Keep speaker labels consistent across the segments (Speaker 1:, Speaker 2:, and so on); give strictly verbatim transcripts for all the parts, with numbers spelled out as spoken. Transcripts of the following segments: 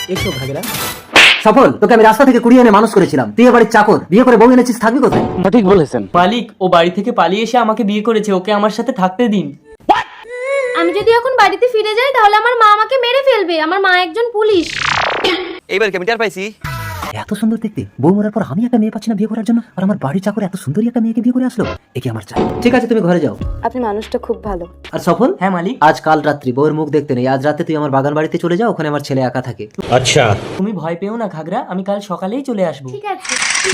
Speaker 1: এসো ঘাগরা। সফল, তোকে আমি রাস্তা থেকে কুড়িয়ে এনে মানুষ করেছিলাম, তুই এ বাড়ির চাকর, বিয়ে করে বউ এনেছিস, থাকবি কোথায়?
Speaker 2: ঠিক বলেছেন
Speaker 3: মালিক, ও বাড়ি থেকে পালিয়ে এসে আমাকে বিয়ে করেছে, ওকে আমার সাথে থাকতে দিন।
Speaker 4: আমি যদি এখন বাড়িতে ফিরে যাই তাহলে আমার মা আমাকে মেরে ফেলবে, আমার মা একজন পুলিশ।
Speaker 5: এইবার আমি টের পাইছি
Speaker 1: এত সুন্দর দেখতে বউ মরার পর আমি একটা মেয়ে পাচ্ছি না বিয়ে করার জন্য, আর আমার বাড়ির চাকর এত সুন্দরী একটা মেয়েকে বিয়ে করে আসলো, একে আমার চাই। ঠিক আছে, তুমি ঘরে যাও।
Speaker 6: আপনি মানুষটা খুব ভালো।
Speaker 1: আর সফল,
Speaker 3: হ্যাঁ মালিক।
Speaker 1: আজ কাল রাত্রি বউয়ের মুখ দেখতে নেই, আজ রাতে তুই আমার বাগান বাড়িতে চলে যাও, ওখানে আমার ছেলে একা থাকে।
Speaker 3: তুমি ভয় পেও না ঘাগরা, আমি কাল সকালেই চলে আসবো।
Speaker 4: ঠিক আছে।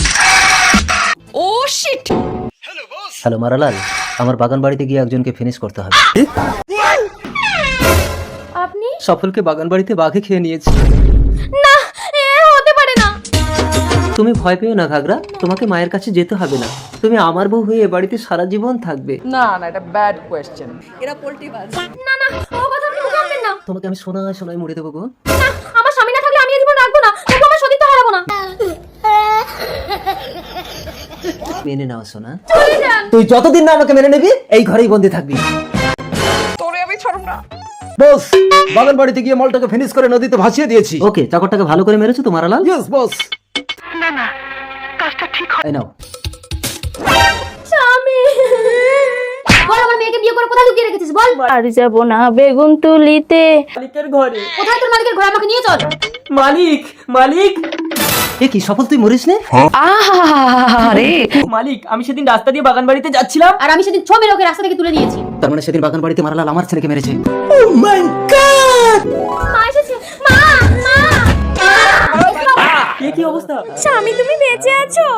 Speaker 1: হ্যালো মারালাল, আমার বাগান বাড়িতে গিয়ে একজনকে ফিনিশ করতে হবে।
Speaker 4: আপনি?
Speaker 1: সফলকে বাগান বাড়িতে বাঘে খেয়ে নিয়েছি।
Speaker 4: না, এ হতে পারে না।
Speaker 1: তুমি ভয় পেও না ঘাগরা, তোমাকে মায়ের কাছে যেতে হবে না, তুমি আমার বউ হয়ে এ বাড়িতে সারা জীবন থাকবে।
Speaker 6: না না, এটা ব্যাড কোয়েশ্চেন।
Speaker 4: না না, ও কথা আপনি মুখে আনবেন না।
Speaker 1: তোমাকে আমি সোনায় সোনায় মুড়ে দেবো গো।
Speaker 4: না, আমার স্বামী না থাকলে আমি এই জীবন রাখবো না, তবু আমার সতীত্ব হারাবো না।
Speaker 1: মেনে নাও সোনা।
Speaker 4: চলে যান।
Speaker 1: তুই যতদিন না আমাকে মেনে নিবি এই ঘরেই বন্দি থাকবি।
Speaker 6: তোরে আমি ছাড়ব না।
Speaker 7: বস, বাগান বাড়িতে গিয়ে মালটাকে ফিনিশ করে নদীতে ভাসিয়ে দিয়েছি।
Speaker 1: ওকে, চাকরটাকে ভালো করে মেরেছো তো মারালাল?
Speaker 7: Yes boss.
Speaker 1: এই নাও।
Speaker 4: স্বামী, বল আমার মেয়েকে বিয়ে করে কোথায় লুকিয়ে রেখেছিস, বল।
Speaker 8: আর যাব না বেগুন তুলিতে।
Speaker 3: মালিকের ঘরে।
Speaker 4: কোথায় তোর মালিকের ঘরে, আমাকে নিয়ে চল।
Speaker 3: মালিক, মালিক,
Speaker 1: এ কি সফল, তুই মরিস নে?
Speaker 8: আরে
Speaker 3: মালিক, আমি সেদিন রাস্তা দিয়ে বাগান বাড়িতে যাচ্ছিলাম।
Speaker 4: আর আমি সেদিন ছ মেরে ওকে রাস্তা থেকে তুলে নিয়েছি।
Speaker 1: তার মানে সেদিন বাগান বাড়িতে মারালাল আমার ছেলেকে মেরেছে।
Speaker 4: মা এসেছে, মা, মা।
Speaker 3: এ কি অবস্থা?
Speaker 8: স্বামী তুমি বেঁচে আছো?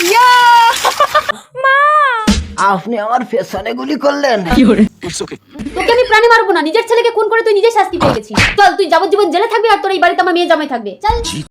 Speaker 8: মা
Speaker 1: আপনি আমার পেছনে গুলি করলেন।
Speaker 4: তোকে আমি প্রাণে মারবো না, নিজের ছেলেকে খুন করে তুই নিজে শাস্তি পেয়ে গেছিস। চল, তুই যাবজ্জীবন জেলে থাকবি আর তোর এই বাড়িতে আমার মেয়ে জামাই থাকবে। চল।